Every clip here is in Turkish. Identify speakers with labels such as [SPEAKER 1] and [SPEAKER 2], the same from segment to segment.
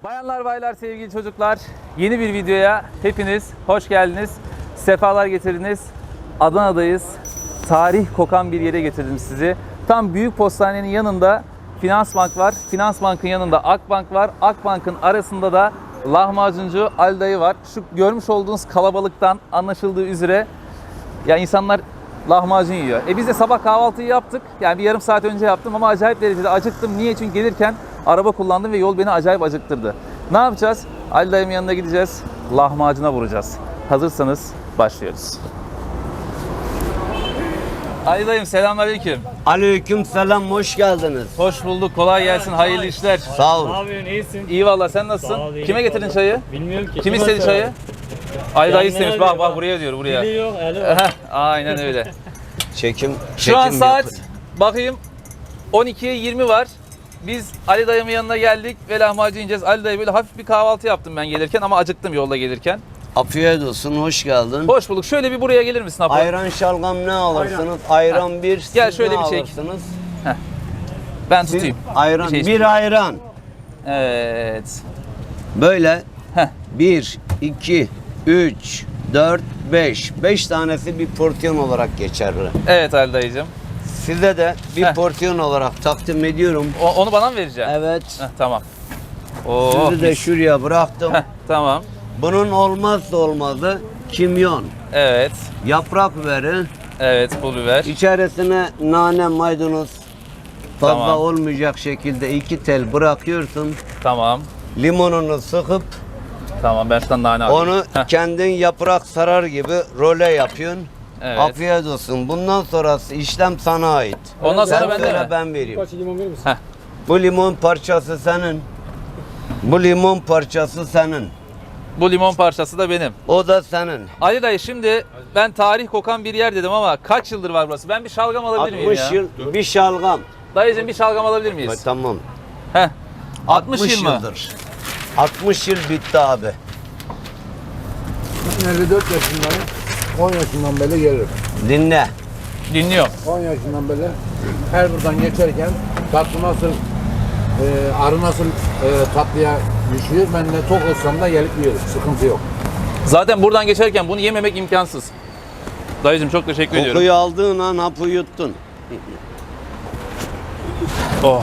[SPEAKER 1] Bayanlar, baylar, sevgili çocuklar, yeni bir videoya hepiniz hoş geldiniz, sefalar getirdiniz. Adana'dayız, tarih kokan bir yere getirdim sizi. Tam Büyük Postane'nin yanında Finansbank var, Finansbank'ın yanında Akbank var, Akbank'ın arasında da lahmacuncu Ali Dayı var. Şu görmüş olduğunuz kalabalıktan anlaşıldığı üzere ya insanlar lahmacun yiyor. Biz de sabah kahvaltıyı yaptık, yani bir yarım saat önce yaptım ama acayip derecede acıktım. Niye? Çünkü gelirken araba kullandım ve yol beni acayip acıktırdı. Ne yapacağız? Ali Dayım'ın yanına gideceğiz. Lahmacuna vuracağız. Hazırsanız başlıyoruz. Ali Dayım, selamünaleyküm.
[SPEAKER 2] Aleykümselam, hoş geldiniz.
[SPEAKER 1] Hoş bulduk. Kolay gelsin. Hayırlı işler.
[SPEAKER 2] Sağ olun.
[SPEAKER 3] Ne yapıyorsun, iyisin?
[SPEAKER 1] İyi valla, sen nasılsın?
[SPEAKER 3] Sağ ol, iyiyim.
[SPEAKER 1] Kime getirdin çayı?
[SPEAKER 3] Bilmiyorum ki.
[SPEAKER 1] Kim istedi çayı? Ali Dayı
[SPEAKER 3] Kendine
[SPEAKER 1] istemiş. Bak
[SPEAKER 3] diyor,
[SPEAKER 1] bak,
[SPEAKER 3] bak.
[SPEAKER 1] buraya diyor, buraya.
[SPEAKER 3] Dili yok, eli var.
[SPEAKER 1] Aynen öyle.
[SPEAKER 2] Çekim
[SPEAKER 1] Şu an saat
[SPEAKER 2] yapın.
[SPEAKER 1] bakayım 12'ye 20 var. Biz Ali Dayım'ın yanına geldik ve lahmacun yiyeceğiz. Ali Dayı böyle hafif bir kahvaltı yaptım ben gelirken ama acıktım yolda gelirken.
[SPEAKER 2] Afiyet olsun, hoş geldin.
[SPEAKER 1] Hoş bulduk. Şöyle bir buraya gelir misin Apo?
[SPEAKER 2] Ayran şalgam ne alırsınız? Ayran bir, siz
[SPEAKER 1] Gel şöyle
[SPEAKER 2] ne
[SPEAKER 1] bir çek.
[SPEAKER 2] alırsınız?
[SPEAKER 1] Ben
[SPEAKER 2] Siz
[SPEAKER 1] tutayım.
[SPEAKER 2] ayran,
[SPEAKER 1] Bir şey
[SPEAKER 2] bir ayran.
[SPEAKER 1] Evet.
[SPEAKER 2] Böyle
[SPEAKER 1] Heh.
[SPEAKER 2] 1, 2, 3, 4, 5. 5 tanesi bir porsiyon olarak geçerli.
[SPEAKER 1] Evet Ali Dayıcığım.
[SPEAKER 2] Size de bir
[SPEAKER 1] Heh.
[SPEAKER 2] porsiyon olarak takdim ediyorum.
[SPEAKER 1] Onu bana mı vereceksin?
[SPEAKER 2] Evet.
[SPEAKER 1] Tamam. Oo.
[SPEAKER 2] Sizi de şuraya bıraktım.
[SPEAKER 1] Tamam.
[SPEAKER 2] Bunun olmazsa olmazı kimyon.
[SPEAKER 1] Evet.
[SPEAKER 2] Yaprak biberi.
[SPEAKER 1] Evet, pul biber.
[SPEAKER 2] İçerisine nane, maydanoz fazla
[SPEAKER 1] Tamam.
[SPEAKER 2] olmayacak şekilde 2 tel bırakıyorsun.
[SPEAKER 1] Tamam.
[SPEAKER 2] Limonunu sıkıp
[SPEAKER 1] Tamam, ben şuradan nane alayım.
[SPEAKER 2] onu
[SPEAKER 1] Heh.
[SPEAKER 2] kendin yaprak sarar gibi role yapıyorsun.
[SPEAKER 1] Evet.
[SPEAKER 2] Afiyet olsun. Bundan sonrası işlem sana ait.
[SPEAKER 1] Ondan sonra
[SPEAKER 2] Sen
[SPEAKER 1] bende
[SPEAKER 2] söyle,
[SPEAKER 1] mi?
[SPEAKER 2] ben vereyim.
[SPEAKER 3] Kaç limon verir misin?
[SPEAKER 1] Heh.
[SPEAKER 2] Bu limon parçası senin. Bu limon parçası senin.
[SPEAKER 1] Bu limon parçası da benim.
[SPEAKER 2] O da senin.
[SPEAKER 1] Ali Dayı, şimdi ben tarih kokan bir yer dedim ama kaç yıldır var burası? Ben bir şalgam alabilir miyim
[SPEAKER 2] 60
[SPEAKER 1] ya?
[SPEAKER 2] yıl bir şalgam.
[SPEAKER 1] Dayıcığım, bir şalgam alabilir miyiz?
[SPEAKER 2] Tamam.
[SPEAKER 1] Heh. 60 yıl mı?
[SPEAKER 2] yıldır. 60 yıl bitti abi.
[SPEAKER 4] Ben 54 yaşındayım. 10 yaşından beri gelirim.
[SPEAKER 2] Dinle.
[SPEAKER 1] Dinliyorum.
[SPEAKER 4] 10 yaşından beri her buradan geçerken tatlı nasıl, arı nasıl tatlıya düşüyor. Ben de tok olsam da gelip yiyorum. Sıkıntı yok.
[SPEAKER 1] Zaten buradan geçerken bunu yememek imkansız. Dayıcığım, çok teşekkür ediyorum.
[SPEAKER 2] Kokuyu aldığın an hapı yuttun.
[SPEAKER 1] Oh.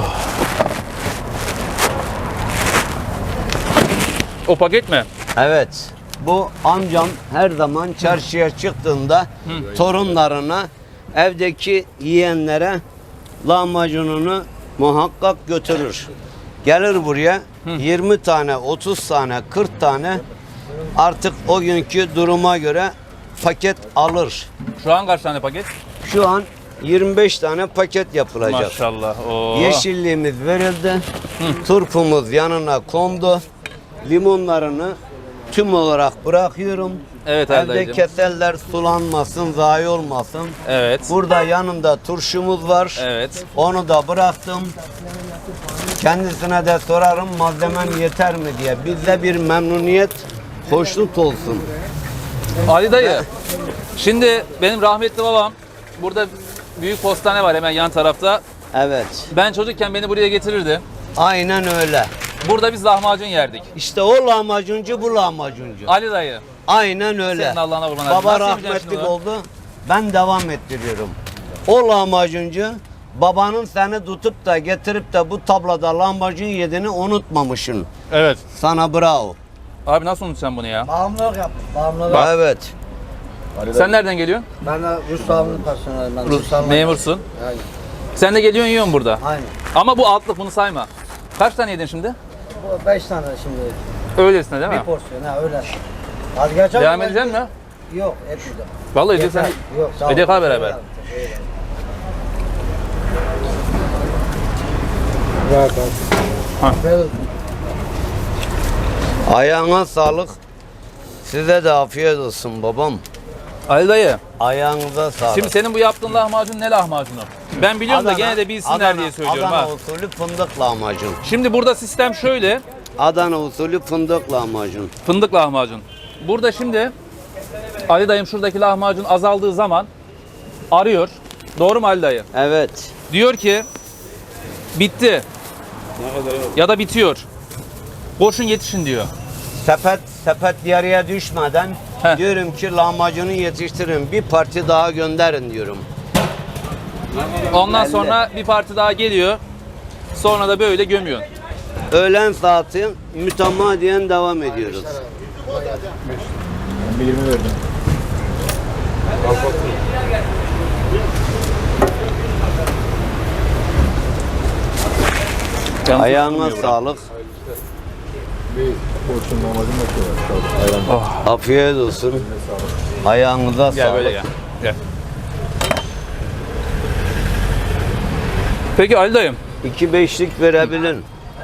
[SPEAKER 1] O paket mi?
[SPEAKER 2] Evet. Bu amcam her zaman çarşıya çıktığında torunlarına, evdeki yiyenlere lahmacununu muhakkak götürür. Gelir buraya 20 tane, 30 tane, 40 tane artık o günkü duruma göre paket alır.
[SPEAKER 1] Şu an kaç tane paket?
[SPEAKER 2] Şu an 25 tane paket yapılacak.
[SPEAKER 1] Maşallah. Oo.
[SPEAKER 2] Yeşilliğimiz verildi. Turpumuz yanına kondu. Limonlarını tüm olarak bırakıyorum.
[SPEAKER 1] Evet
[SPEAKER 2] Evde
[SPEAKER 1] Erdayıcığım.
[SPEAKER 2] keserler sulanmasın, zayi olmasın.
[SPEAKER 1] Evet.
[SPEAKER 2] Burada yanında turşumuz var.
[SPEAKER 1] Evet.
[SPEAKER 2] Onu da bıraktım. Kendisine de sorarım malzemem yeter mi diye. Bizde bir memnuniyet, hoşnut olsun.
[SPEAKER 1] Ali Dayı, şimdi benim rahmetli babam, burada büyük postane var hemen yan tarafta.
[SPEAKER 2] Evet.
[SPEAKER 1] Ben çocukken beni buraya getirirdi.
[SPEAKER 2] Aynen öyle.
[SPEAKER 1] Burada biz lahmacun yerdik.
[SPEAKER 2] İşte o lahmacuncu, bu lahmacuncu.
[SPEAKER 1] Ali Dayı,
[SPEAKER 2] Aynen öyle.
[SPEAKER 1] senin Allah'ına kurban.
[SPEAKER 2] Baba
[SPEAKER 1] Nasıl yapacaksın
[SPEAKER 2] rahmetlik
[SPEAKER 1] şimdi bunu?
[SPEAKER 2] oldu. Ben devam ettiriyorum. O lahmacuncu babanın seni tutup da getirip de bu tablada lahmacun yediğini unutmamışsın.
[SPEAKER 1] Evet.
[SPEAKER 2] Sana bravo.
[SPEAKER 1] Abi nasıl unutacaksın bunu ya?
[SPEAKER 4] Bağımlılık yaptım. Bağımlılık.
[SPEAKER 2] Evet.
[SPEAKER 1] Sen nereden geliyorsun?
[SPEAKER 4] Ben de Rus bağımlılık personelim. Ben Rus bağımlılık.
[SPEAKER 1] Memursun.
[SPEAKER 4] Aynen.
[SPEAKER 1] Sen de geliyorsun, yiyorsun burada.
[SPEAKER 4] Aynen.
[SPEAKER 1] Ama bu altlık, bunu sayma. Kaç tane yedin şimdi?
[SPEAKER 4] Bu 5 tane şimdi.
[SPEAKER 1] Öylesine değil
[SPEAKER 4] Bir
[SPEAKER 1] mi?
[SPEAKER 4] porsiyon ha öyle. Az geçer
[SPEAKER 1] Devam edeceksin mi?
[SPEAKER 4] Yok etmeyeceğim.
[SPEAKER 1] Vallahi edeceksen.
[SPEAKER 4] Yok sağ ol.
[SPEAKER 1] Edek al beraber.
[SPEAKER 4] Rahat
[SPEAKER 1] Ha.
[SPEAKER 2] Ayağına sağlık. Size de afiyet olsun babam.
[SPEAKER 1] Ali Dayı,
[SPEAKER 2] Ayağınıza sağlık.
[SPEAKER 1] şimdi senin bu yaptığın lahmacun ne lahmacunu? Ben biliyorum da gene de bilsinler diye söylüyorum
[SPEAKER 2] Adana
[SPEAKER 1] ha.
[SPEAKER 2] usulü fındık lahmacun.
[SPEAKER 1] Şimdi burada sistem şöyle.
[SPEAKER 2] Adana usulü fındık lahmacun.
[SPEAKER 1] Fındık lahmacun. Burada şimdi Ali Dayım şuradaki lahmacun azaldığı zaman arıyor. Doğru mu Ali Dayı?
[SPEAKER 2] Evet.
[SPEAKER 1] Diyor ki bitti. Ya da bitiyor. Koşun yetişin diyor.
[SPEAKER 2] Sepet yarıya düşmeden
[SPEAKER 1] Heh.
[SPEAKER 2] diyorum ki lahmacunu yetiştirin. Bir parti daha gönderin diyorum.
[SPEAKER 1] Ondan
[SPEAKER 2] Belli.
[SPEAKER 1] sonra bir parti daha geliyor. Sonra da böyle gömüyorsun.
[SPEAKER 2] Öğlen saati mütemadiyen devam ediyoruz.
[SPEAKER 4] Ben bir 20 verdim.
[SPEAKER 1] Yalnız
[SPEAKER 2] Ayağına
[SPEAKER 1] tutmuyor bura.
[SPEAKER 2] sağlık.
[SPEAKER 4] Bir porsiyon lahmacun bakıyorlar. Ayran.
[SPEAKER 2] Afiyet olsun. Ayağınıza
[SPEAKER 1] Gel
[SPEAKER 2] sağlık.
[SPEAKER 1] böyle gel. Gel. Peki Ali dayım,
[SPEAKER 2] 2-5'lik verebilin.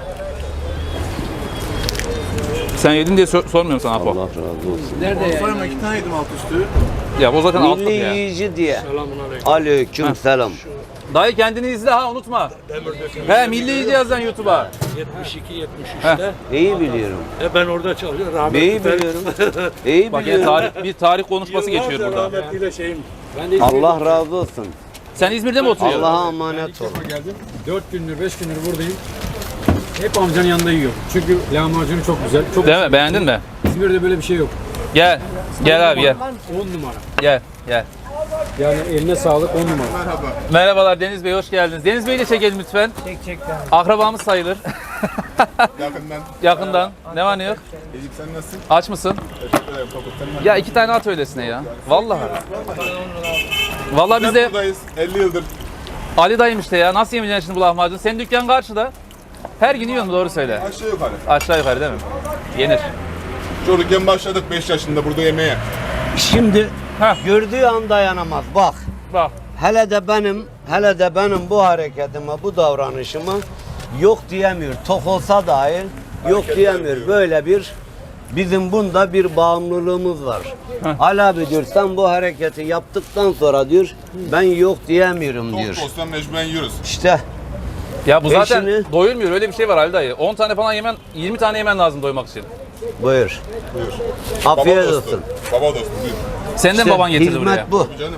[SPEAKER 1] sen yedin diye sormuyorum sana Apo.
[SPEAKER 2] Allah razı olsun.
[SPEAKER 3] Sayma 2 tane yedim alt üstü.
[SPEAKER 1] Ya o zaten altlık
[SPEAKER 2] Milli
[SPEAKER 1] ya.
[SPEAKER 2] yiyici diye.
[SPEAKER 3] Selamünaleyküm.
[SPEAKER 2] Aleyküm selam.
[SPEAKER 1] Dayı kendini izle ha, unutma. He, milli yiyici yaz lan YouTube'a.
[SPEAKER 3] 72-73'te.
[SPEAKER 2] İyi biliyorum.
[SPEAKER 3] Ben orada çalışıyorum.
[SPEAKER 2] İyi
[SPEAKER 3] Rahmetli.
[SPEAKER 2] biliyorum. İyi
[SPEAKER 1] Bak ya
[SPEAKER 2] biliyorum.
[SPEAKER 1] bir tarih konuşması geçiyor burada.
[SPEAKER 3] Rahmetliyle şeyim. Ben de
[SPEAKER 2] Allah razı olsun.
[SPEAKER 1] Sen İzmir'de mi oturuyorsun?
[SPEAKER 2] Allah'a emanet ol.
[SPEAKER 3] geldim. 4 gündür 5 gündür buradayım. Hep amcanın yanında yiyorum. Çünkü lahmacunu çok güzel. Çok
[SPEAKER 1] Değil mi? Beğendin mi?
[SPEAKER 3] İzmir'de böyle bir şey yok.
[SPEAKER 1] Gel. Gel abi gel.
[SPEAKER 3] 10 numara.
[SPEAKER 1] Gel. Gel.
[SPEAKER 3] Yani eline sağlık 10 numara.
[SPEAKER 1] Merhabalar Deniz Bey, hoş geldiniz. Deniz Bey'i de çekelim lütfen.
[SPEAKER 5] Çek.
[SPEAKER 1] Akrabamız sayılır.
[SPEAKER 6] Yakından.
[SPEAKER 1] Yakından. Ne var ne yok?
[SPEAKER 6] Ezik sen nasılsın?
[SPEAKER 1] Aç mısın?
[SPEAKER 6] Teşekkür ederim. Kapatın.
[SPEAKER 1] Ya 2 tane at öylesine ya. Vallahi. Vallahi biz de
[SPEAKER 6] buradayız. 50 yıldır.
[SPEAKER 1] Ali dayım işte ya. Nasıl yemeyeceksin şimdi bu lahmacunu? Senin dükkan karşıda. Her gün yiyorsun, doğru söyle.
[SPEAKER 6] Aşağı yukarı.
[SPEAKER 1] Aşağı yukarı değil mi? Yenir.
[SPEAKER 6] Çocukken başladık 5 yaşında burada yemeğe.
[SPEAKER 2] Şimdi
[SPEAKER 1] Heh.
[SPEAKER 2] gördüğü an dayanamaz. Bak.
[SPEAKER 1] Bak.
[SPEAKER 2] Hele de benim bu hareketime, bu davranışıma yok diyemiyor. Tok olsa dahi yok diyemiyor. Böyle bir bizim bunda bir bağımlılığımız var. Ali abi diyor sen bu hareketi yaptıktan sonra diyor ben yok diyemiyorum
[SPEAKER 6] Tok
[SPEAKER 2] diyor.
[SPEAKER 6] da olsan mecburen yiyoruz.
[SPEAKER 2] İşte
[SPEAKER 1] Ya bu zaten
[SPEAKER 2] Eşini-
[SPEAKER 1] doyurmuyor. Öyle bir şey var Ali dayı. 10 tane falan yemen, 20 tane yemen lazım doymak için.
[SPEAKER 2] buyur.
[SPEAKER 6] Buyur.
[SPEAKER 2] Afiyet
[SPEAKER 6] Baba dostu.
[SPEAKER 2] olsun.
[SPEAKER 6] Baba dostu buyur.
[SPEAKER 1] Senin de
[SPEAKER 2] İşte
[SPEAKER 1] baban getirdi
[SPEAKER 2] hizmet
[SPEAKER 1] buraya.
[SPEAKER 2] bu.
[SPEAKER 6] Tabii canım.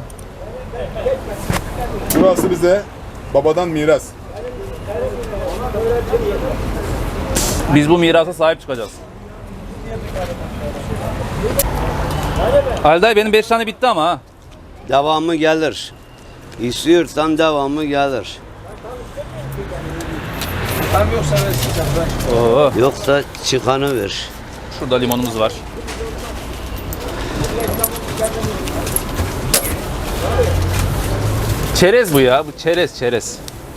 [SPEAKER 6] Burası bize babadan miras.
[SPEAKER 1] Biz bu mirasa sahip çıkacağız. Ali dayı benim 5 tane bitti ama ha.
[SPEAKER 2] Devamı gelir. İstiyorsan devamı gelir.
[SPEAKER 1] Oo,
[SPEAKER 2] Yoksa çıkanı ver.
[SPEAKER 1] şurada limonumuz var. Çerez bu ya. Bu çerez.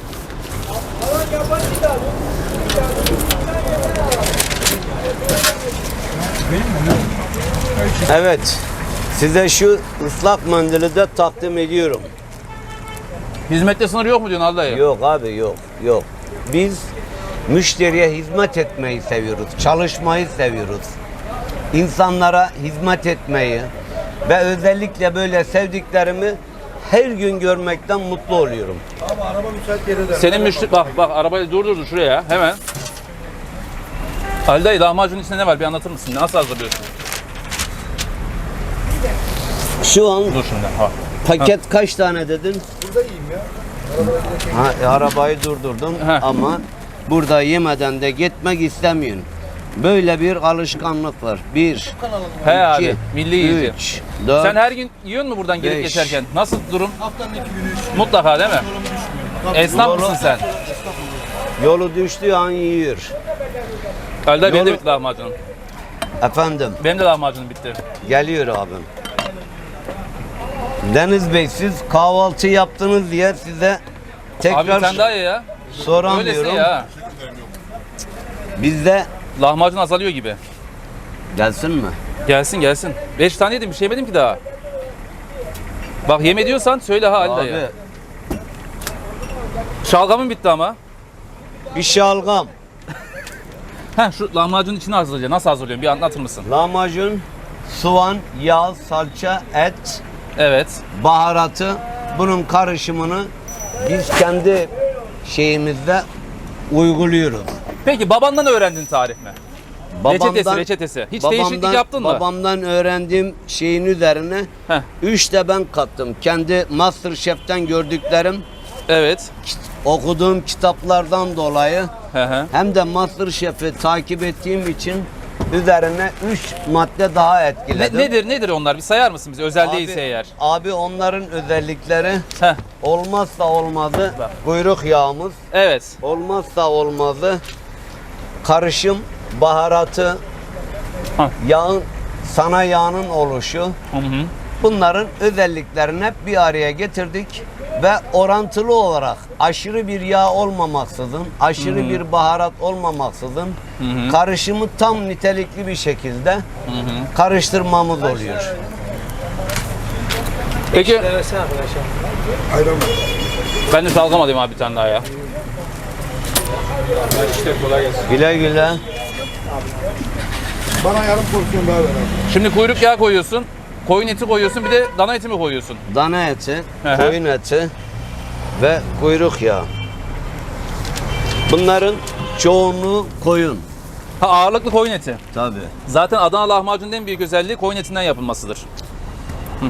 [SPEAKER 2] Evet. Size şu ıslak mendili de takdim ediyorum.
[SPEAKER 1] Hizmette sınır yok mu diyorsun Ali dayı?
[SPEAKER 2] Yok abi yok. Biz müşteriye hizmet etmeyi seviyoruz. Çalışmayı seviyoruz. İnsanlara hizmet etmeyi ve özellikle böyle sevdiklerimi her gün görmekten mutlu oluyorum.
[SPEAKER 1] Senin müşteri... Bak arabayı durdurdu şuraya hemen. Ali dayı lahmacunun içinde ne var bir anlatır mısın? Nasıl hazırlıyorsun?
[SPEAKER 2] Şu an
[SPEAKER 1] Dur şimdi. Ha.
[SPEAKER 2] paket kaç tane dedin? Burada yiyeyim ya. Arabayı durdurdum
[SPEAKER 1] Heh.
[SPEAKER 2] ama burada yemeden de gitmek istemiyorsun. Böyle bir alışkanlık var. 1,
[SPEAKER 1] He abi.
[SPEAKER 2] 2,
[SPEAKER 1] Milli yiyici.
[SPEAKER 2] 3, 4,
[SPEAKER 1] Sen her gün yiyor musun buradan gelip
[SPEAKER 2] Beş.
[SPEAKER 1] geçerken? Nasıl durum?
[SPEAKER 3] Haftanın 2 günü
[SPEAKER 1] Mutlaka değil mi? Esnaf
[SPEAKER 2] Doğru.
[SPEAKER 1] mısın sen?
[SPEAKER 2] yolu düştüğü an yiyor.
[SPEAKER 1] Ali dayı benim de
[SPEAKER 2] Yolu-
[SPEAKER 1] bitti lahmacunum.
[SPEAKER 2] Efendim
[SPEAKER 1] Benim de lahmacunum bitti.
[SPEAKER 2] geliyor abim. Deniz Bey siz kahvaltı yaptınız diye size
[SPEAKER 1] Abi
[SPEAKER 2] tekrar
[SPEAKER 1] sen daha iyi ya. Öylesi
[SPEAKER 2] soramıyorum.
[SPEAKER 1] ya.
[SPEAKER 2] Bizde
[SPEAKER 1] Lahmacun azalıyor gibi.
[SPEAKER 2] gelsin mi?
[SPEAKER 1] Gelsin. 5 tane yedim bir şey yemedim ki daha. Bak yeme diyorsan söyle ha Ali
[SPEAKER 2] Abi
[SPEAKER 1] dayı. Şalgamın bitti ama.
[SPEAKER 2] bir şalgam,
[SPEAKER 1] Heh şu lahmacunun içini hazırlayacaksın. Nasıl hazırlıyorsun bir anlatır mısın?
[SPEAKER 2] lahmacun, soğan, yağ, salça, et,
[SPEAKER 1] Evet.
[SPEAKER 2] baharatı bunun karışımını biz kendi şeyimizde uyguluyoruz.
[SPEAKER 1] Peki babandan öğrendin tarif mi? Reçetesi. Hiç değişiklik yaptın mı?
[SPEAKER 2] Babamdan öğrendiğim şeyin üzerine
[SPEAKER 1] Heh.
[SPEAKER 2] 3 de ben kattım. Kendi MasterChef'ten gördüklerim
[SPEAKER 1] Evet.
[SPEAKER 2] okuduğum kitaplardan dolayı
[SPEAKER 1] Hı hı.
[SPEAKER 2] hem de MasterChef'i takip ettiğim için üzerine 3 madde daha ekledim.
[SPEAKER 1] Nedir onlar? Bir sayar mısın bize? Özel
[SPEAKER 2] Abi-
[SPEAKER 1] değilse eğer.
[SPEAKER 2] Abi onların özellikleri
[SPEAKER 1] Heh.
[SPEAKER 2] olmazsa olmazı kuyruk yağımız,
[SPEAKER 1] Evet.
[SPEAKER 2] olmazsa olmazı karışım baharatı,
[SPEAKER 1] Hah.
[SPEAKER 2] yağın sana yağının oluşu.
[SPEAKER 1] Hı hı.
[SPEAKER 2] Bunların özelliklerini hep bir araya getirdik ve orantılı olarak aşırı bir yağ olmamaksızın, aşırı bir baharat olmamaksızın karışımı tam nitelikli bir şekilde karıştırmamız oluyor.
[SPEAKER 1] Peki. Ben de şalgam alayım abi bir tane daha ya.
[SPEAKER 2] Güle güle.
[SPEAKER 6] Bana yarım porsiyon daha ver abi.
[SPEAKER 1] Şimdi kuyruk yağı koyuyorsun. Koyun eti koyuyorsun. Bir de dana eti mi koyuyorsun?
[SPEAKER 2] Dana eti,
[SPEAKER 1] Hı hı.
[SPEAKER 2] koyun eti ve kuyruk yağı. Bunların çoğunluğu koyun.
[SPEAKER 1] Ha, ağırlıklı koyun eti.
[SPEAKER 2] Tabii.
[SPEAKER 1] Zaten Adana lahmacunun en büyük özelliği koyun etinden yapılmasıdır. Hı.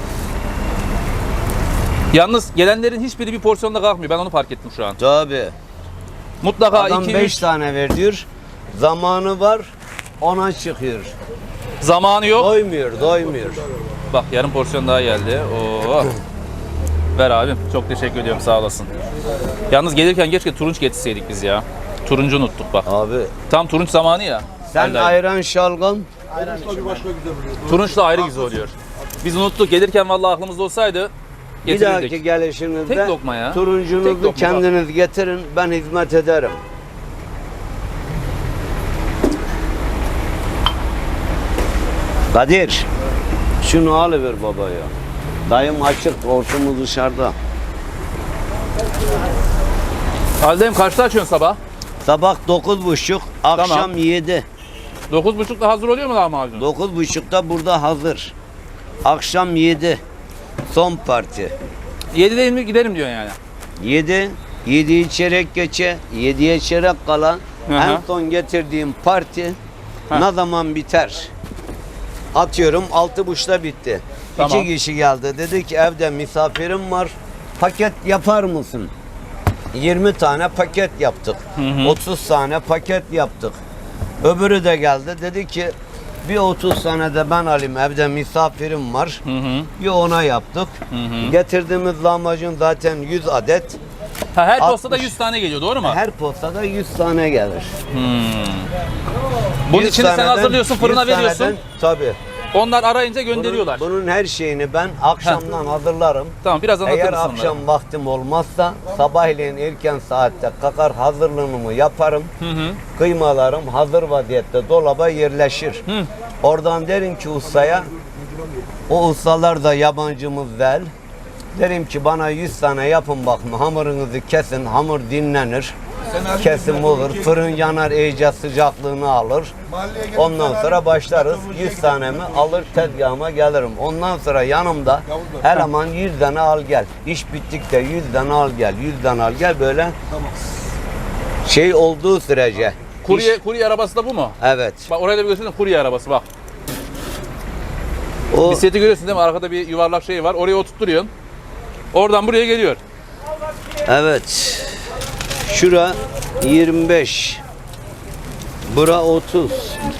[SPEAKER 1] Yalnız gelenlerin hiçbiri bir porsiyonda kalkmıyor. Ben onu fark ettim şu an.
[SPEAKER 2] Tabii.
[SPEAKER 1] Mutlaka
[SPEAKER 2] Adam
[SPEAKER 1] 2-3
[SPEAKER 2] 5 tane ver diyor. Zamanı var, ona çıkıyor.
[SPEAKER 1] zamanı yok.
[SPEAKER 2] Doymuyor.
[SPEAKER 1] Bak yarım porsiyon daha geldi. Oo. Ver abim. Çok teşekkür ediyorum. Sağ olasın. Yalnız gelirken keşke turunç getirseydik biz ya. Turuncu unuttuk bak.
[SPEAKER 2] Abi
[SPEAKER 1] Tam turunç zamanı ya.
[SPEAKER 2] sen
[SPEAKER 1] Vallahi.
[SPEAKER 2] ayran şalgam
[SPEAKER 1] Turunçla ayrı güzel oluyor. Biz unuttuk. Gelirken vallahi aklımızda olsaydı
[SPEAKER 2] bir
[SPEAKER 1] getirirdik.
[SPEAKER 2] dahaki gelişinizde
[SPEAKER 1] Tek lokma ya. Tek
[SPEAKER 2] turuncunuzu
[SPEAKER 1] lokma bak.
[SPEAKER 2] kendiniz getirin, ben hizmet ederim. Kadir, şunu alıver baba ya. Dayım açık, ortamız dışarıda.
[SPEAKER 1] Haldeyim kaçta açıyorsun sabah?
[SPEAKER 2] Sabah 9.30, akşam
[SPEAKER 1] Tamam.
[SPEAKER 2] 7.
[SPEAKER 1] 9.30'da hazır oluyor mu lahmacun?
[SPEAKER 2] 9.30'da burada hazır. Akşam 7. Son parti.
[SPEAKER 1] 7'de mi giderim diyorsun yani.
[SPEAKER 2] 7 çeyrek geçe, 7'ye çeyrek kala
[SPEAKER 1] Hı hı.
[SPEAKER 2] en son getirdiğim parti
[SPEAKER 1] Heh.
[SPEAKER 2] ne zaman biter? Atıyorum 6.30'da bitti.
[SPEAKER 1] Tamam.
[SPEAKER 2] 2 kişi geldi. Dedi ki evde misafirim var. Paket yapar mısın? 20 tane paket yaptık. 30 tane paket yaptık. Öbürü de geldi. Dedi ki bir 30 tane de ben alayım. Evde misafirim var. Bir ona yaptık. Getirdiğimiz lahmacun zaten 100 adet.
[SPEAKER 1] Ha, her
[SPEAKER 2] 60.
[SPEAKER 1] postada 100 tane geliyor doğru mu?
[SPEAKER 2] Her postada 100 tane gelir.
[SPEAKER 1] Bunun
[SPEAKER 2] 100
[SPEAKER 1] içini sen
[SPEAKER 2] taneden-
[SPEAKER 1] hazırlıyorsun, fırına
[SPEAKER 2] 100
[SPEAKER 1] veriyorsun.
[SPEAKER 2] taneden- Tabii.
[SPEAKER 1] Onlar arayınca gönderiyorlar.
[SPEAKER 2] Bunun her şeyini ben akşamdan hazırlarım.
[SPEAKER 1] Tamam biraz anlatır
[SPEAKER 2] Eğer
[SPEAKER 1] mısın
[SPEAKER 2] akşam vaktim olmazsa sabahleyin erken saatte kalkar hazırlığımı yaparım. Kıymalarım hazır vaziyette dolaba yerleşir. Oradan derim ki ustaya, o ustalar da yabancımız değil. Derim ki bana 100 tane yapın bakın, hamurunuzu kesin, hamur dinlenir. Kesim olur, fırın yanar, iyice sıcaklığını alır. Ondan sonra başlarız, 100 tanemi alır tezgahıma gelirim. Ondan sonra yanımda eleman 100 tane al gel. İş bittikte 100 tane al gel, 100 tane al gel, böyle şey olduğu sürece.
[SPEAKER 1] Kurye arabası da bu mu?
[SPEAKER 2] Evet.
[SPEAKER 1] Bak oraya da bir göstersene, kurye arabası bak.
[SPEAKER 2] O
[SPEAKER 1] Bisikleti görüyorsun değil mi? Arkada bir yuvarlak şey var. Oraya oturtturuyorsun. Oradan buraya geliyor.
[SPEAKER 2] evet. Şura 25. Bura 30.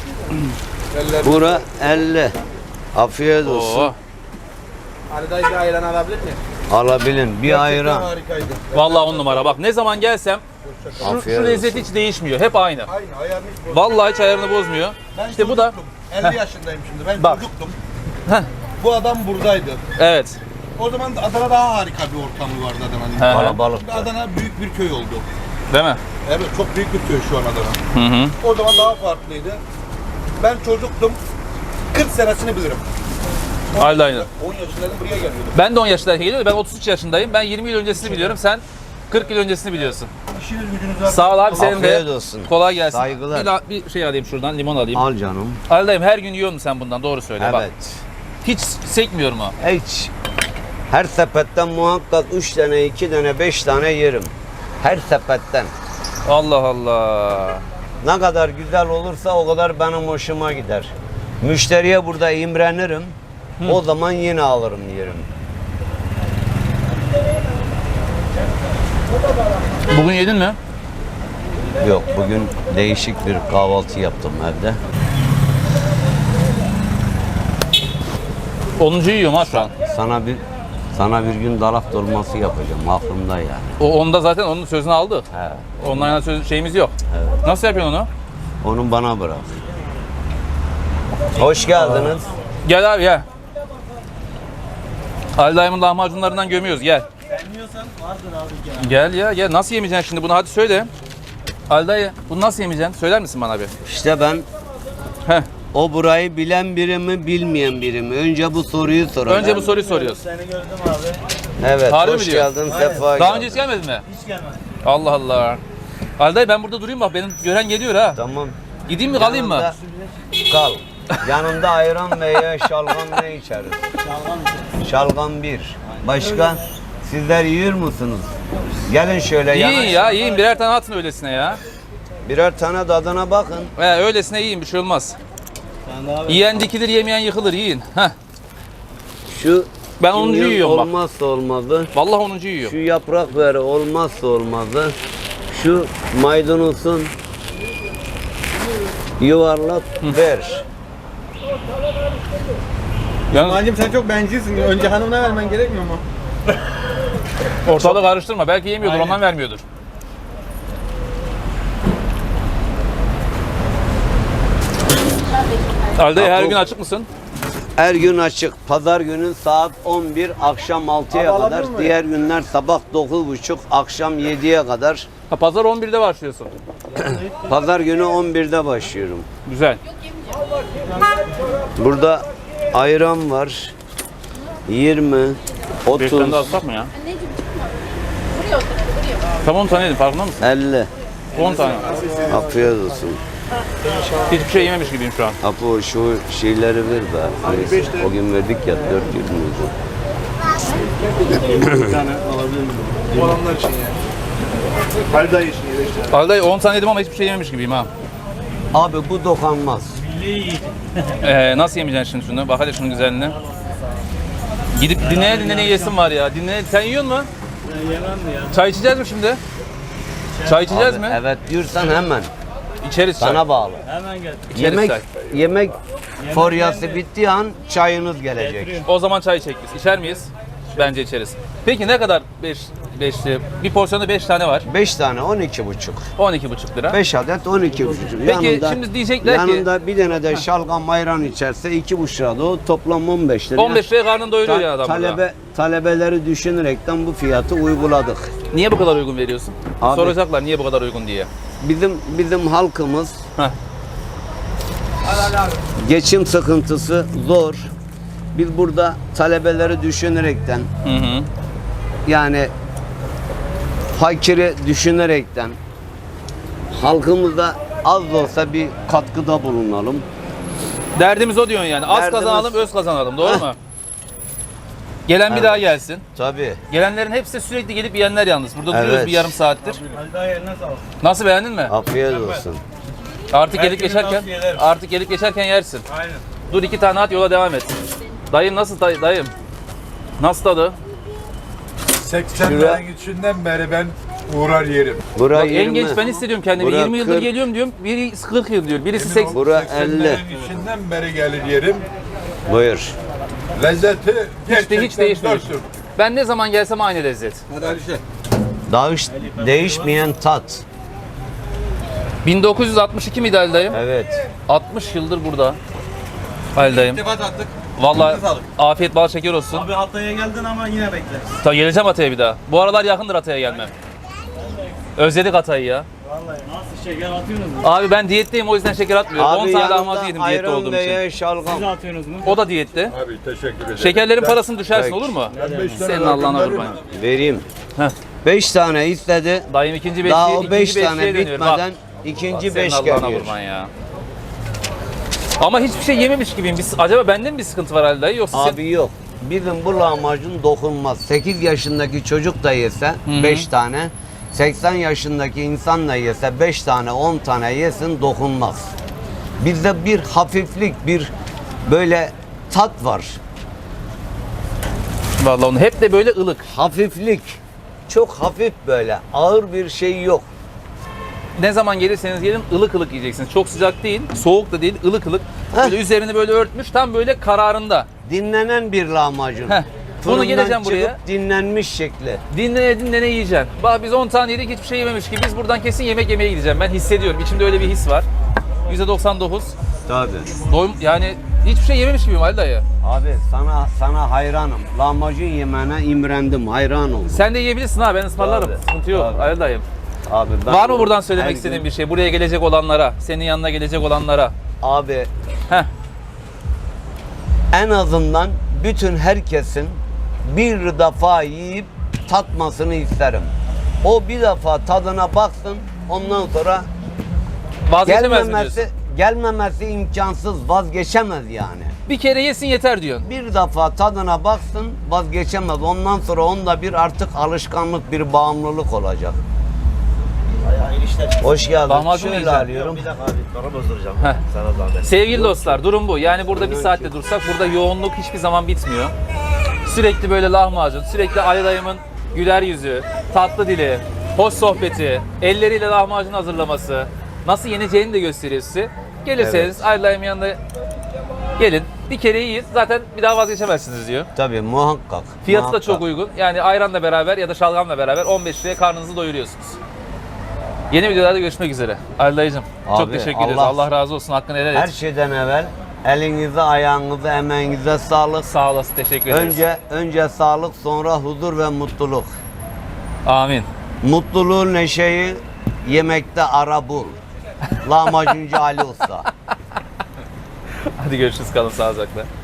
[SPEAKER 2] Bura 50. Afiyet olsun.
[SPEAKER 1] Oo.
[SPEAKER 4] Ali dayı bir ayran alabilir mi?
[SPEAKER 2] Alabilin. Bir ayran.
[SPEAKER 6] Harikaydı.
[SPEAKER 1] Vallahi 10 numara. Bak ne zaman gelsem şu
[SPEAKER 2] Afiyet
[SPEAKER 1] lezzet hiç değişmiyor. Hep aynı.
[SPEAKER 6] Aynı ayarını hiç bozmadım.
[SPEAKER 1] Vallahi hiç ayarını bozmuyor.
[SPEAKER 6] Ben
[SPEAKER 1] İşte bu da
[SPEAKER 6] 50 yaşındayım şimdi. Ben
[SPEAKER 1] Bak.
[SPEAKER 6] çocuktum.
[SPEAKER 1] Heh.
[SPEAKER 6] Bu adam buradaydı.
[SPEAKER 1] Evet.
[SPEAKER 6] O zaman da Adana daha harika bir ortamı vardı Adana'nın.
[SPEAKER 1] He.
[SPEAKER 2] Kalabalık.
[SPEAKER 6] Şimdi Adana büyük bir köy oldu.
[SPEAKER 1] Değil mi?
[SPEAKER 6] Evet, çok büyük bir köy şu an Adana.
[SPEAKER 1] Hı hı.
[SPEAKER 6] O zaman daha farklıydı. Ben çocuktum. 40 senesini bilirim.
[SPEAKER 1] Aynı aynı.
[SPEAKER 6] 10 yaşındaydım, buraya geliyordum.
[SPEAKER 1] Ben de 10 yaşındayken geliyorum. Ben 33 yaşındayım. Ben 20 yıl öncesini biliyorum. Sen 40 yıl öncesini biliyorsun.
[SPEAKER 6] İşiniz gücünüz var.
[SPEAKER 1] Sağ ol abi, senin
[SPEAKER 2] Afiyet
[SPEAKER 1] de.
[SPEAKER 2] olsun.
[SPEAKER 1] Kolay gelsin.
[SPEAKER 2] Saygılar.
[SPEAKER 1] Bir şey alayım şuradan. Limon alayım.
[SPEAKER 2] Al canım.
[SPEAKER 1] Aldayım, her gün yiyor musun sen bundan? Doğru söyle bak.
[SPEAKER 2] Evet.
[SPEAKER 1] Hiç sekmiyor mu?
[SPEAKER 2] Hiç. Her sepetten muhakkak 3 tane, 2 tane, 5 tane yerim. Her sepetten.
[SPEAKER 1] Allah Allah.
[SPEAKER 2] Ne kadar güzel olursa o kadar benim hoşuma gider. Müşteriye burada imrenirim. O zaman yine alırım yerim.
[SPEAKER 1] Bugün yedin mi?
[SPEAKER 2] Yok, bugün değişik bir kahvaltı yaptım evde.
[SPEAKER 1] 10. yiyorum ha şu an.
[SPEAKER 2] Sana bir gün dalak dolması yapacağım, aklımda yani.
[SPEAKER 1] O onda zaten onun sözünü aldı.
[SPEAKER 2] He.
[SPEAKER 1] Ondan yana şeyimiz yok.
[SPEAKER 2] Evet.
[SPEAKER 1] Nasıl yapıyorsun onu?
[SPEAKER 2] Onu bana bırak. Hoş geldiniz.
[SPEAKER 1] Gel abi gel. Ali dayımın lahmacunlarından gömüyoruz gel. Gel ya gel. Nasıl yemeyeceksin şimdi bunu hadi söyle. Ali dayı bunu nasıl yemeyeceksin? Söyler misin bana bir?
[SPEAKER 2] İşte ben
[SPEAKER 1] Heh.
[SPEAKER 2] o burayı bilen biri mi, bilmeyen biri mi? Önce bu soruyu soralım.
[SPEAKER 1] Önce bu soruyu soruyoruz.
[SPEAKER 2] Evet,
[SPEAKER 1] Harbi mi
[SPEAKER 2] hoş
[SPEAKER 1] diyor?
[SPEAKER 2] geldin, sefa
[SPEAKER 1] Daha önce
[SPEAKER 2] geldin.
[SPEAKER 1] hiç gelmedin mi? Hiç gelmedim. Allah Allah. Ali dayı ben burada durayım bak benim gören geliyor ha.
[SPEAKER 2] Tamam.
[SPEAKER 1] Gideyim mi kalayım mı?
[SPEAKER 2] Yanında- Kal. Yanında ayran veya şalgam ne içeriz? Şalgam bir. Başka? Sizler yiyor musunuz? Gelin şöyle
[SPEAKER 1] Yiyin
[SPEAKER 2] yanaşın.
[SPEAKER 1] ya yiyin birer tane atın öylesine ya.
[SPEAKER 2] Birer tane tadına bakın.
[SPEAKER 1] Öylesine yiyin bir şey olmaz. Yiyen dikilir yemeyen yıkılır yiyin. Heh.
[SPEAKER 2] Şu
[SPEAKER 1] Ben 10.
[SPEAKER 2] kimyon
[SPEAKER 1] yiyorum bak.
[SPEAKER 2] olmazsa olmazı.
[SPEAKER 1] Vallahi 10. yiyor.
[SPEAKER 2] Şu yaprak veri olmazsa olmazı. Şu maydanozun yuvarlak ver.
[SPEAKER 1] Yalnız
[SPEAKER 6] Hancım sen çok bencilsin. Önce hanımına vermen gerekmiyor mu?
[SPEAKER 1] ortalığı karıştırma. Belki yemiyordur
[SPEAKER 6] Aynen.
[SPEAKER 1] ondan vermiyordur. Ali dayı her
[SPEAKER 2] Apo-
[SPEAKER 1] gün açık mısın?
[SPEAKER 2] Her gün açık. Pazar günü saat 11, akşam 6'ya
[SPEAKER 6] Abi
[SPEAKER 2] kadar.
[SPEAKER 6] alabilir miyim?
[SPEAKER 2] Diğer günler sabah 9.30, akşam 7'ye kadar.
[SPEAKER 1] Ha, pazar 11'de başlıyorsun.
[SPEAKER 2] Pazar günü 11'de başlıyorum.
[SPEAKER 1] Güzel.
[SPEAKER 2] Burada ayran var. 20,
[SPEAKER 1] 5 tane
[SPEAKER 2] 30,
[SPEAKER 1] de alsak mı ya? Tam 10 tane yedim farkında mısın?
[SPEAKER 2] 50.
[SPEAKER 1] 10 tane.
[SPEAKER 2] Afiyet olsun.
[SPEAKER 1] Hiçbir şey yememiş gibiyim şu an.
[SPEAKER 2] Apo şu şeyleri ver be. Neyse, o gün verdik ya 400
[SPEAKER 6] Bir tane alabilir miyim? Olanlar için yani. Halil dayı için 5 tane.
[SPEAKER 1] Ali dayı 10 tane yedim ama hiçbir şey yememiş gibiyim ha.
[SPEAKER 2] Abi bu dokanmaz.
[SPEAKER 1] Nasıl yemeyeceksin şimdi şunu? Bak hadi şunun güzelliğine. Gidip dinleye dinleye yesin var ya. Dinle. Sen yiyor musun? Ben yemem ya. Çay içeceğiz mi şimdi? Çay içeceğiz
[SPEAKER 2] Abi,
[SPEAKER 1] mi?
[SPEAKER 2] evet diyorsan hemen.
[SPEAKER 1] İçeriz çay.
[SPEAKER 2] Sana bağlı.
[SPEAKER 1] İçeriz
[SPEAKER 2] Yemek
[SPEAKER 1] çay.
[SPEAKER 2] yemek foryası bittiği an çayınız gelecek.
[SPEAKER 1] O zaman çay içecek biz. İçer miyiz? Bence içeriz. Peki ne kadar 5'li? Bir porsiyonda 5 tane var.
[SPEAKER 2] 5 tane 12,5.
[SPEAKER 1] 12,5 lira.
[SPEAKER 2] 5 adet 12,5.
[SPEAKER 1] Peki, şimdi diyecekler ki-
[SPEAKER 2] yanında bir tane de şalgam ayran içerse 2,5 lira da o toplam 15 lira.
[SPEAKER 1] 15 liraya karnını doyuruyor ya adam burada.
[SPEAKER 2] Talebeleri düşünerekten bu fiyatı uyguladık.
[SPEAKER 1] Niye bu kadar uygun veriyorsun?
[SPEAKER 2] Abi-
[SPEAKER 1] Soracaklar niye bu kadar uygun diye.
[SPEAKER 2] Bizim halkımız
[SPEAKER 1] Heh.
[SPEAKER 2] geçim sıkıntısı zor. Biz burada talebeleri düşünerekten
[SPEAKER 1] Hı hı.
[SPEAKER 2] yani fakiri düşünerekten halkımıza az da olsa bir katkıda bulunalım.
[SPEAKER 1] Derdimiz o diyorsun yani. Az
[SPEAKER 2] Derdimiz-
[SPEAKER 1] kazanalım, öz kazanalım. Doğru
[SPEAKER 2] Heh.
[SPEAKER 1] mu? Gelen bir
[SPEAKER 2] Evet.
[SPEAKER 1] daha gelsin.
[SPEAKER 2] Tabii.
[SPEAKER 1] Gelenlerin hepsi sürekli gelip yiyenler yalnız. Burada duruyoruz
[SPEAKER 2] Evet.
[SPEAKER 1] bir yarım saattir.
[SPEAKER 6] Halil dayı eline sağlık.
[SPEAKER 1] Nasıl beğendin mi?
[SPEAKER 2] Afiyet olsun.
[SPEAKER 1] Artık gelip
[SPEAKER 6] Belki bir
[SPEAKER 1] geçerken
[SPEAKER 6] tavsiye ederim.
[SPEAKER 1] artık gelip geçerken yersin.
[SPEAKER 6] Aynen.
[SPEAKER 1] Dur 2 tane at yola devam et. Dayım nasıl dayım? Nasıl tadı?
[SPEAKER 5] 80'lerin içinden beri ben uğrar yerim.
[SPEAKER 2] Bura
[SPEAKER 1] Bak, en
[SPEAKER 2] 20.
[SPEAKER 1] genç ben hissediyorum kendimi.
[SPEAKER 2] Bura
[SPEAKER 1] 20 yıldır
[SPEAKER 2] 40.
[SPEAKER 1] geliyorum diyorum. Biri 40 yıl diyor. Birisi 80.
[SPEAKER 2] Bura
[SPEAKER 5] 80'lerin
[SPEAKER 2] 50.
[SPEAKER 5] içinden beri gelir yerim.
[SPEAKER 2] Buyur.
[SPEAKER 5] Lezzeti gerçekten
[SPEAKER 1] hiç değişmiyor.
[SPEAKER 5] dörttür.
[SPEAKER 1] Ben ne zaman gelsem aynı lezzet.
[SPEAKER 2] Değişmeyen tat.
[SPEAKER 1] 1962 miydi Ali dayım?
[SPEAKER 2] Evet.
[SPEAKER 1] 60 yıldır burada. Ali dayım.
[SPEAKER 6] İltifat attık.
[SPEAKER 1] Vallahi
[SPEAKER 6] sağlık.
[SPEAKER 1] afiyet bal şeker olsun.
[SPEAKER 6] Abi Hatay'a geldin ama yine bekle.
[SPEAKER 1] Ta geleceğim Hatay'a bir daha. Bu aralar yakındır Hatay'a gelmem. Özledik Hatay'ı ya.
[SPEAKER 6] Vallahi nasıl şeker atıyorsunuz mu?
[SPEAKER 1] Abi ben diyetteyim o yüzden şeker atmıyorum. 10
[SPEAKER 2] Abi
[SPEAKER 1] tane
[SPEAKER 2] yanında
[SPEAKER 1] lahmacun yedim diyette
[SPEAKER 2] ayran
[SPEAKER 1] olduğum için.
[SPEAKER 2] veya şalgam.
[SPEAKER 6] atıyorsunuz mu?
[SPEAKER 1] O da diyette.
[SPEAKER 5] Abi teşekkür ederim.
[SPEAKER 1] Şekerlerin
[SPEAKER 5] Ben-
[SPEAKER 1] parasını düşersin
[SPEAKER 2] Peki.
[SPEAKER 1] olur mu?
[SPEAKER 5] ben 5 tane
[SPEAKER 1] Senin Allah'ına
[SPEAKER 5] verdim.
[SPEAKER 1] kurban.
[SPEAKER 2] Vereyim.
[SPEAKER 1] Heh.
[SPEAKER 2] 5 tane istedi.
[SPEAKER 1] Dayım ikinci
[SPEAKER 2] Daha
[SPEAKER 1] beşliğe,
[SPEAKER 2] o 5
[SPEAKER 1] ikinci
[SPEAKER 2] tane
[SPEAKER 1] beşliğe dönüyor. Bak,
[SPEAKER 2] bitmeden ikinci
[SPEAKER 1] senin
[SPEAKER 2] 5
[SPEAKER 1] Allah'ına
[SPEAKER 2] geliyor.
[SPEAKER 1] kurban ya. Ama hiçbir şey yememiş gibiyim. Acaba bende mi bir sıkıntı var Ali dayı yoksa sen...
[SPEAKER 2] Abi yok. Bizim bu lahmacun dokunmaz. 8 yaşındaki çocuk da yese 5 tane, 80 yaşındaki insan da yese 5 tane, 10 tane yesin dokunmaz. Bizde bir hafiflik, bir böyle tat var.
[SPEAKER 1] Vallahi onu hep de böyle ılık.
[SPEAKER 2] Hafiflik. çok hafif böyle. Ağır bir şey yok.
[SPEAKER 1] Ne zaman gelirseniz gelin ılık ılık yiyeceksiniz. Çok sıcak değil, soğuk da değil, ılık ılık.
[SPEAKER 2] Heh.
[SPEAKER 1] Böyle üzerini böyle örtmüş, tam böyle kararında.
[SPEAKER 2] Dinlenen bir lahmacun.
[SPEAKER 1] Heh. Bunu
[SPEAKER 2] Fırından
[SPEAKER 1] geleceğim buraya.
[SPEAKER 2] çıkıp dinlenmiş şekli.
[SPEAKER 1] Dinlene dinlene yiyeceksin. Bak biz 10 tane yedik, hiçbir şey yememiş gibi. Biz buradan kesin yemek yemeye gideceğim. Ben hissediyorum. İçimde öyle bir his var. %99.
[SPEAKER 2] Tabii.
[SPEAKER 1] Doyum, yani hiçbir şey yememiş gibiyim Ali dayı.
[SPEAKER 2] Abi sana hayranım. Lahmacun yemene imrendim, hayran oldum.
[SPEAKER 1] Sen de yiyebilirsin ha, ben ısmarlarım.
[SPEAKER 2] Tabii,
[SPEAKER 1] Sıkıntı yok
[SPEAKER 2] tabii.
[SPEAKER 1] Ali dayım.
[SPEAKER 2] Abi ben
[SPEAKER 1] Var mı buradan
[SPEAKER 2] her
[SPEAKER 1] söylemek
[SPEAKER 2] gün-
[SPEAKER 1] istediğin bir şey? Buraya gelecek olanlara, senin yanına gelecek olanlara.
[SPEAKER 2] Abi
[SPEAKER 1] Heh.
[SPEAKER 2] en azından bütün herkesin bir defa yiyip tatmasını isterim. O bir defa tadına baksın, ondan sonra
[SPEAKER 1] Vazgeçemez mi diyorsun?
[SPEAKER 2] gelmemesi imkansız, vazgeçemez yani.
[SPEAKER 1] Bir kere yesin yeter diyorsun.
[SPEAKER 2] Bir defa tadına baksın, vazgeçemez. Ondan sonra onda bir artık alışkanlık, bir bağımlılık olacak. Hoş geldin.
[SPEAKER 1] Lahmacun
[SPEAKER 2] Şöyle
[SPEAKER 1] yiyeceğim.
[SPEAKER 2] alıyorum.
[SPEAKER 6] Bir dakika abi, para bozduracağım.
[SPEAKER 1] Heh.
[SPEAKER 6] Sana zahmet.
[SPEAKER 1] Sevgili dostlar, durum bu. Yani burada bir saatte dursak burada yoğunluk hiçbir zaman bitmiyor. Sürekli böyle lahmacun, sürekli Ali dayımın güler yüzü, tatlı dili, hoş sohbeti, elleriyle lahmacun hazırlaması, nasıl yeneceğini de gösteriyor size. Gelirseniz Ali dayımın yanına gelin, bir kere yiyin, zaten bir daha vazgeçemezsiniz diyor.
[SPEAKER 2] Tabii muhakkak.
[SPEAKER 1] Fiyatı da
[SPEAKER 2] muhakkak.
[SPEAKER 1] çok uygun. Yani ayranla beraber ya da şalgamla beraber 15 liraya karnınızı doyuruyorsunuz. Yeni videolarda görüşmek üzere. Ali dayıcım çok
[SPEAKER 2] Abi,
[SPEAKER 1] teşekkür ederiz. Allah razı olsun. Hakkını helal
[SPEAKER 2] Her
[SPEAKER 1] et.
[SPEAKER 2] şeyden evvel elinize, ayağınıza, emeğinize sağlık.
[SPEAKER 1] Sağ olasın. Teşekkür ederiz.
[SPEAKER 2] Önce sağlık, sonra huzur ve mutluluk.
[SPEAKER 1] Amin.
[SPEAKER 2] Mutluluğu, neşeyi yemekte ara bul. Lahmacuncu Ali Usta.
[SPEAKER 1] Hadi görüşürüz. Kalın sağlıcakla.